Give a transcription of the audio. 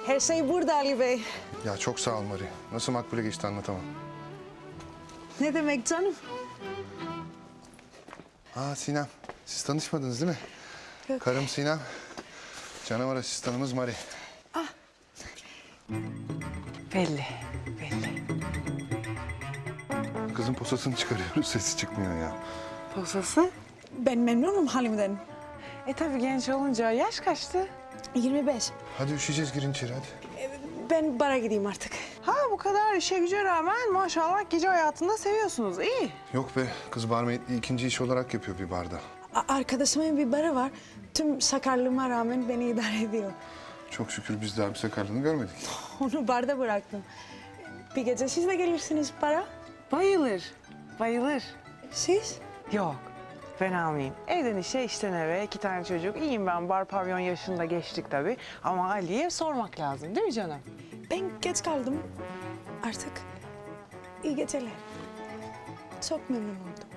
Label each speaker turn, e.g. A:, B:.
A: Her şey burada Ali Bey.
B: Ya çok sağ ol Mari. Nasıl makbule geçti anlatamam.
A: Ne demek canım?
B: Aa Sinem, siz tanışmadınız değil mi?
A: Yok.
B: Karım Sinem, canavar asistanımız Mari.
C: Belli, belli.
B: Kızın posasını çıkarıyoruz, sesi çıkmıyor ya.
C: Posası?
A: Ben memnunum halimden.
C: Tabii genç olunca yaş kaçtı?
A: 25.
B: Hadi üşüyeceğiz, girin içeri hadi.
A: Ben bara gideyim artık.
C: Ha bu kadar işe güce rağmen maşallah gece hayatında seviyorsunuz. İyi.
B: Yok be, kız barmaidliği ikinci iş olarak yapıyor bir barda.
A: Arkadaşımın bir barı var. Tüm sakarlığıma rağmen beni idare ediyor.
B: Çok şükür biz daha bir sakarlığını görmedik.
A: Onu barda bıraktım. Bir gece siz de gelirsiniz bara.
C: Bayılır, bayılır.
A: Siz?
C: Yok, ben almayayım. Evden işe, işten eve, 2 tane çocuk. İyiyim ben, bar pavyon yaşında geçtik tabii. Ama Ali'ye sormak lazım değil mi canım?
A: Ben geç kaldım. Artık iyi geceler. Çok memnun oldum.